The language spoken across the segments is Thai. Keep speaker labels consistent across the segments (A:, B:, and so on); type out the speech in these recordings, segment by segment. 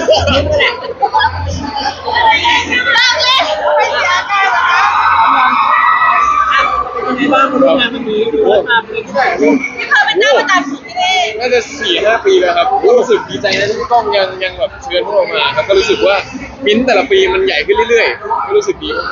A: นี่แหละ
B: เลิกเล่นไม่เสียใจหรอ
A: เป็นยังไงบ้างคุณร่วมงานวันนี้ดูมาปีที่ไหน
B: ที่เคยเป็นเจ้าประจำของที่นี่
C: น่าจะ4-5 ปีแล้วครับก็รู้สึกดีใจนะที่พี่ก้องยังแบบเชิญพวกเรามาครับก็รู้สึกว่ามิ้นแต่ละปีมันใหญ่ขึ้นเรื่อยๆก็รู้สึกดีมาก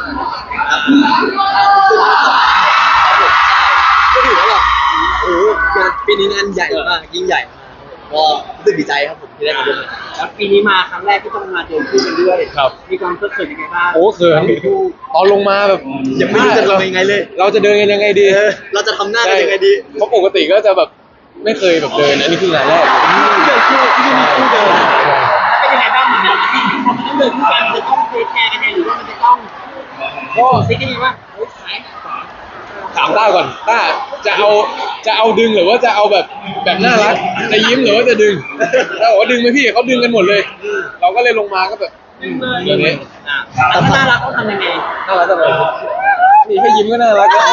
D: ก็ถือว่าแบบโอ้งานปีนี้งานใหญ่มากยิ่งใหญ่มากก็รู้สึกดีใจครับผมที่ได้มาร่วมงาน
A: แล้วปีนี้มาครั้งแรกที่ต้องมาเจอคู่กันด้วยมีความเขินยังไงบ้าง
C: โอ้เขินตอนลงมาแบบ
D: ยังไม่รู้จะทำยังไงเลย
C: เราจะเดินกันยังไงดี
D: เราจะทำหน้ากันยังไงดี
C: เพราะปกติก็จะแบบไม่เคยแบบเดินอันนี้คืองานแรก
A: เดินคู่ที่มีคู่เดินเป็นยังไงบ้างเหมือนกันที่มันต้องเดินคู่กันมันจะต้องเทคแคร์กันยังหรือว่ามันจะต้องก็ซิกกันยังว่า
C: ถามต้าก่อนต้าจะเอาดึงหรือว่าจะเอาแบบน่ารักจะยิ้มหรือว่าจะดึงถ้าบอกว่าดึงไหมพี่เขาดึงกันหมดเลยเราก็เลยลงมาก็แบบอย่างนี้
A: แล้วน่ารักต้องทำยังไง
C: น่ารักจังเลยนี่แค่ยิ้มก็น่ารักแล้ว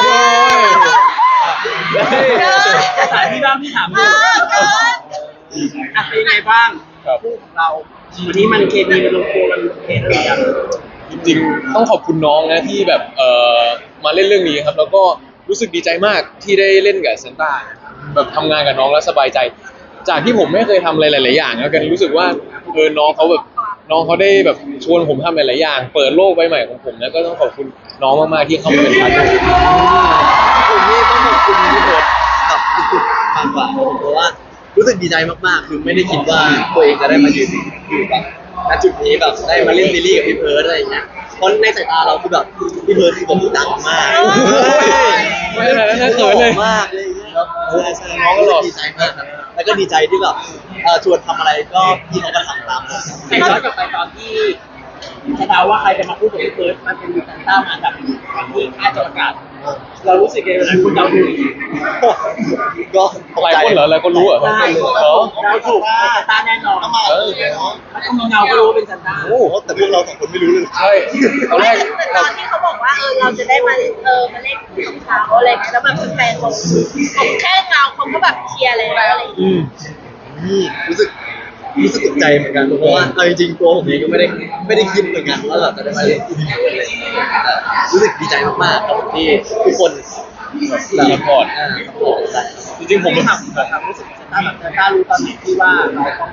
A: ภาษาที่บ้านพี่ถามเลยเป็นยังไงบ้างคู่ของเราวันนี้มันเคมีมันลงตัวมันเห็นอะไรอย่าง
C: จริงๆต้องขอบคุณน้องนะที่แบบมาเล่นเรื่องนี้ครับแล้วก็รู้สึกดีใจมากที่ได้เล่นกับซันต้าแบบทำงานกับน้องแล้วสบายใจจากที่ผมไม่เคยทำอะไรหลายๆอย่างแล้วกันรู้สึกว่าน้องเขาได้แบบชวนผมทำหลายๆอย่างเปิดโลกใบใหม่ของผมนะก็ต้องขอบคุณน้องมากๆที่เข้ามาเป็นพาร์ทเนอร์
D: ผมนี่ต้องขอบคุณพี่เพิร์ดกับสุดๆมากกว่าเพราะว่ารู้สึกดีใจมากๆคือไม่ได้คิดว่าตัวเองจะได้มายืนอยู่แบบณจุดนี้แบบได้มาเล่นซีรีส์กับพี่เพิร์ดอะไรอย่างเงี้ยเพราะในสายตาเราคือแบบพี่เพิร์ดคือแบบดังมาก
C: ไม่ขนาดนั้นเขินเลย
D: มากเลยใช่น้องก็ดีใจมากครับแล้วก็ดีใจที่แบบชวนทำอะไรก็พี่เขาก็ทำตาม
A: แต่ย้อนกลับไปตอนที่จะเดาว่าใครจะมาพูดกับพี่เพิร์ดมันเป็นซันต้ามาอันดับตอนที่ค่ายจะประกาศเรารู้สึกยังไงเวลาคุณเดาถูก
D: ก็
C: หลายคนเหรอหลายคนรู้เหรอ
A: เราถูกซันต้าแน่นอนถ้าต้องมีเงาก็รู้ว่าเป็นซันต้า
D: โอ้แต่พวกเรา2 คนไม่รู้เลย
C: ใช่ตอนแรก
B: ตอนที่เขาบอกว่าเราจะได้มาเล่นของเขาอะไรเงี้ยแล้วแบบแฟนเขาแค่เงาเขาก็แบบเชียร์เลยอะไรอย่างเงี้ย
D: รู้สึกตกใจเหมือนกันเพราะว่าเอาจริงๆตัวผมเองก็ไม่ได้คิดเหมือนกันว่าเราจะได้มาเล่นที่นี่เลยรู้สึกดีใจมากๆครับที่ทุกคน
C: ซัพพอร์ตจริงๆผม
A: ถามรู้สึกซันต้าแบบซันต้ารู้ตอนไหนที่ว่าเราต้อง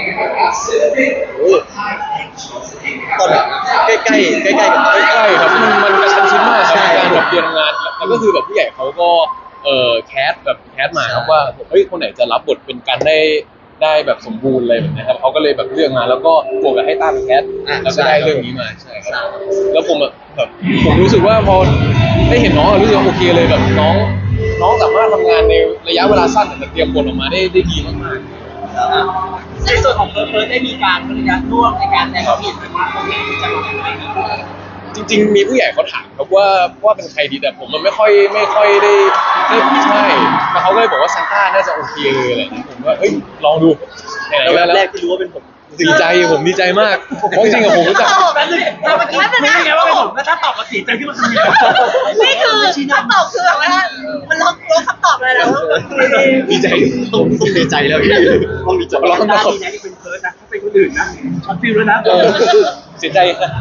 D: ตอนแบบใกล้
C: ครับมันกระชั้นชิดมากครับการแบบเรียนงานแล้วก็คือแบบผู้ใหญ่เขาก็แคสมาครับว่าเฮ้ยคนไหนจะรับบทเป็นกันได้แบบสมบูรณ์อะไรแบบนี้ครับเขาก็เลยแบบเลือกมาแล้วก็บวกกับให้ต้าเป็นแคสแล้วก็ได้เรื่องนี้มาใช่ครับแล้วผมแบบผมรู้สึกว่าพอได้เห็นน้องรู้สึกว่าโอเคเลยแบบน้องสามารถทำงานในระยะเวลาสั้นแต่เตรียมบทออกมาได้ดีมาก
A: ในส่วนของเพิร์ดได้มีการบริการร่วมในการแต่งเพลงมาตรงนี้จะลงยังไง
C: จริงๆมีผู้ใหญ่เขาถามครับว่าเป็นใครดีแต่ผมมันไม่ค่อยได้ใช่แต่เขาก็เลยบอกว่าซันต้าน่าจะโอเคเลยอะไรอย่างเงี้ยผมว่าเฮ้ยลองดู
D: แล้วแรกที่รู้ว่าเป็นผม
C: ดีใจมากเพราะจริงๆผมรู้จัก
A: แป๊บนึงถ้าเมื่อกี้ไม่ไงว่าเป็นผมแล้วถ้าตอบมาเสียใจที่มันทำยังไง
B: นี่คือคำตอบคือแบบว่ามันลดคำตอบเลยแล้ว
C: ดีใจ
D: ต้องดีใจแล้วต้องดีใจ
A: แล้วต้องดีนะที่เป็นเพิร์ดนะถ้าเป็นคนอื่นนะช็อตฟิลแล้วนะ
C: เสียใจ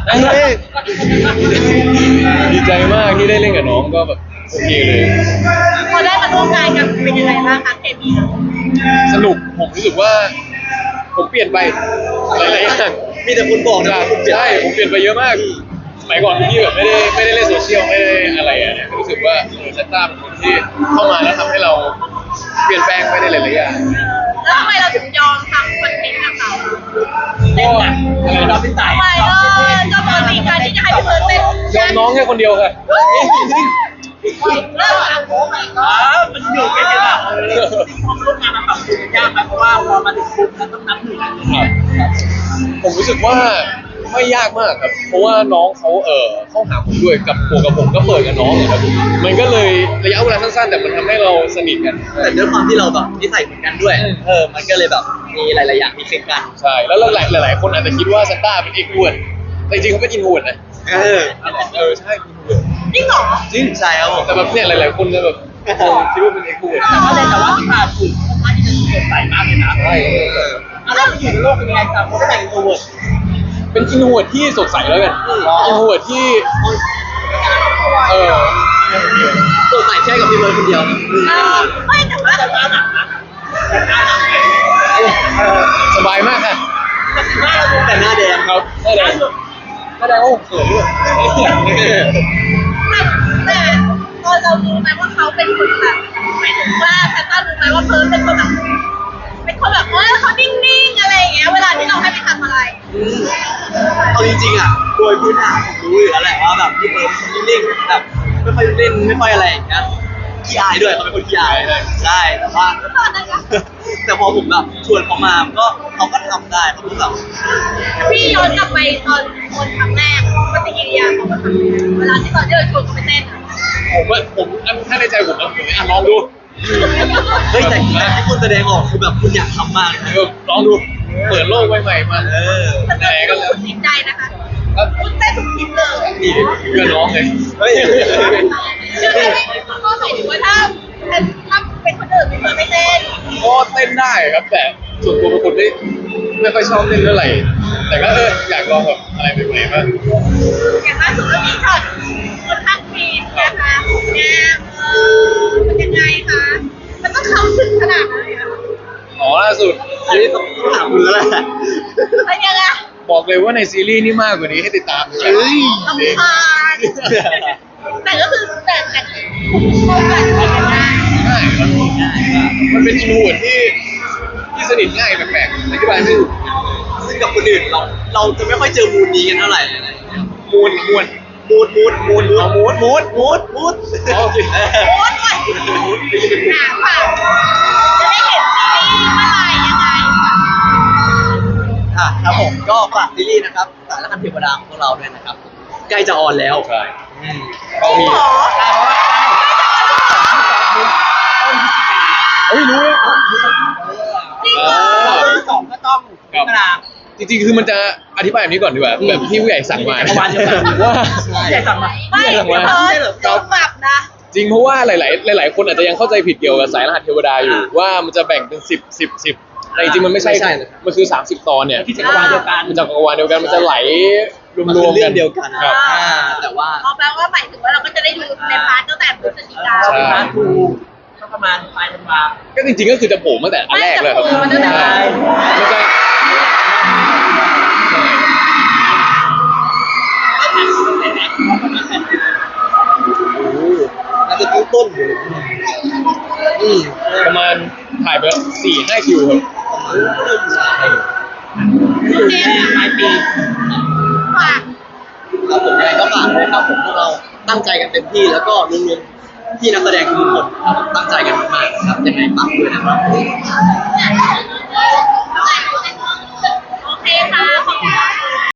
C: ดีใจมากที่ได้เล่นกับน้องก็แบบโอเคเลย
B: พอได้มาร่วมงานกันเป็นยังไงบ้างคะเคมี
C: สนุกผมรู้สึกว่าผมเปลี่ยนไปหลายๆอย่าง
D: มีแต่คุณบอกนะ
C: ใช่ผมเปลี่ยนไปเยอะมากสมัยก่อนที่แบบไม่ได้เล่นโซเชียลไม่ได้อะไรอ่ะเนี่ยรู้สึกว่าซันต้าเป็นคนที่เข้ามาแล้วทำให้เราเปลี่ยนแปลงไปในหลายๆอย่าง
B: แล้วทำไมเราถึงยอมทำคอนเทนต์กับเขา
A: เราเป็นสาย
B: ทำไมจะบอกมีการที่จะให้พี่เพิร์ดเป็น
C: ยอมน้องแค่คนเดียวค่ะ
B: เริ่มอ่ะโอ้ my god
A: มันอยู่แค่นี้แหละความร่วมงานมันแบบยากเพราะว่าพอมาถึงปุ๊บมันต้องนับหนึ่ง
C: ผมรู้สึกว่าไม่ยากมากครับเพราะว่าน้องเขาเข้าหาผมด้วยกับผมก็เปิดกับน้องครับมันก็เลยระยะเวลาสั้นๆแต่มันทำให้เราสนิทกัน
D: แต่ด้วยความที่เราแบบนิสัยเหมือนกันด้วยมันก็เลยแบบมีหลายๆอย่างที่คลิกกัน
C: ใช่แล้วหลายคนอาจจะคิดว่าซันต้าเป็นเอ็กซ์ทรเวิร์ตแต่จริงๆเขาเป็นอินโทรเวิร์ตนะใช่
B: จริงเหรอ
D: จริงใช่ครับ
C: แต่แบบเนี่ยหลายๆคนจะแบบคิดว่าเป็นเอ็กซ์ทรเวิร์ต
A: แต่ว่าที่ผ่านคือค่อนข้างที่จะสดใสมากเลยนะ
C: ใช่
A: แล้วอยู่ในโลกเป็นยังไงครับเพราะว่าแต่ง introvert
C: เป็นอินโทรเวิร์ดที่สดใสแล้วกันอินโทรเวิร์ดที่เออ
D: ตัวใส่แค่กับพี่เบิร์ดคนเดียว
B: ไม่แต่ว่า
A: แต่หน้าหนักนะแต่หน้าหนักนะ
C: สบายมากค่ะ
A: หน้าเราดู
D: แต่หน้าแดง
C: ครับได้เลยแสดงว่าผมเขินด้วย
B: แต่ตอนเรารู้ไหมว่าเขาเป็นคนแบบหมายถึงว่าแพทต้ารู้ไหมว่าเพิร์ลเป็นคนแบบเขานิ่งๆอะไรอย่างเงี้ยเวลาที่เราให้ไปทำอะไร
D: เอาจริงๆอ่ะโดยพื้นฐานผมรู้อยู่แล้วแหละว่าแบบพี่เบิร์ดเป็นคนนิ่งๆแบบไม่ค่อยเล่นไม่ค่อยอะไรอย่างเงี้ยขี้อายด้วยเขาเป็นคนขี้อายใช่แต่ว่า
B: ตอนนั้นก็
D: แต่พอผมแบบชวนเขามาก็เขาก็ทำได้เขาก็แบบ
B: พี่ย้อนกลับไปตอนคนครั้งแรกปฏิกิริยาของเขาทำยังไงเวลาที่ตอนที่เราชวนเขาไปเต้นอะ
C: ผมถ้าในใจผมนะผมลองดู
D: เฮ้ยแต่ที่คุณแสดงออกคือแบบคุณอยากทำมากเลยนะ
C: ลองดูเปิดโลกใหม่ๆมา
B: แต่
C: ไหน
B: ก็
C: ก็
B: สุดจิตใจนะคะคุณเต้นสุดจิตเลย
C: นี่เพื่อนน้องเลย
D: เฮ้ย
B: ก็หมายถึงว่าถ้าเป็นคนอื่นไม่เคยไม่เต้น
C: ก็เต้นได้ครับแต่ส่วนตัวเป็นคนไม่ค่อยชอบเต้นเท่าไหร่แต่ก็อยากลองแบบอะไรใหม่ๆบ้าง
B: อย่างล่าสุดก็มีช็อตคนทักฟีดนะคะแง่มันยังไงคะมันต้องเข้าถึงขนาดนั้นเลยเหรอ
C: อ๋อล่าสุด
D: อันนี้ต้องถามคุณแล้วแหละ
B: มันยังไง
C: บอกเลยว่าในซีรีส์นี่มากกว่านี้ให้ติดตามเลย
D: เฮ้ย
B: ลำคาญแต่ก็คือแต่เข้ากันไปกันได้
C: ง่ายครับมันเป็นอินโทรเวิร์ดที่สนิทง่ายแปลกๆอธิบายไม่ถูก
D: ซึ่งกับคนอื่นเราจะไม่ค่อยเจอมูดนี้กันเท่าไหร่อะไรอย่างเงี้ย
C: มูน
D: มูดเอามูด
C: มูน
D: โอเค
B: โอ๊ตก่อนหนาค่ะจะได้เห็นซีรีส์เมื่อไหร่ยังไงค่ะ
D: ครับผมก็ฝากซีรีส์นะครับสารคดีเทวดาของพวกเราด้วยนะครับใกล้จะออนแล้ว
C: ใช่
D: อืม
C: ก็มี
B: หรอ
C: เอ้ยรู้เลย
B: จริงเหรอ
A: สองก็ต้องพิจารณา
C: จริงๆคือมันจะอธิบายแบบนี้ก่อนดีกว่าแบบที่ผู้ใหญ่สั่งมา
A: จักรวาลเดียวกัน
C: ว่า
A: ใหญ่สั่งมา
B: ไม่เพิร์ดโดนปรับนะ
C: จริงเพราะว่าหลายๆคนอาจจะยังเข้าใจผิดเกี่ยวกับสายรหัสเทวดาอยู่ว่ามันจะแบ่งเป็น10แต่จริงๆมันไม่ใช่มันคือ30 ตอนเนี่ย
A: ที่จักรวาลเดียวกัน
C: มันจักรวาลเดียวกันมันจะไหลร
D: มัน
C: ว
D: คือ
C: มๆ
D: เรื่
C: กั
D: อน งเดียวกัน
C: ครับ
D: แต่ว่า
B: เอาแปลว่าหมายถึงว่าเราก็จะได้ดูในพาร์ทตั้งแต่พฤศจิกา
C: ใช่
A: ร้านทูก็ประมาณปลายธันวา
C: ก็จริงๆก็คือจะโผล่ตั้งแต่อันแรกเลยครับ
B: ไม่แต่โผล่มาตั้งแต่
C: ใช่มันจะ
D: น่าจะต้นอยู่อืม
C: ประมาณถ่ายไป4-5 คิวครับ
B: เจมส์
A: ปลายปี
B: ฝาก
D: ครับผมยังไงก็ฝากด้วยครับผมพวกเราตั้งใจกันเต็มที่แล้วก็รวมๆที่นักแสดงทุกคนครับตั้งใจกันมากๆครับยังไงฝากด้วยนะครับ
B: เนี่ย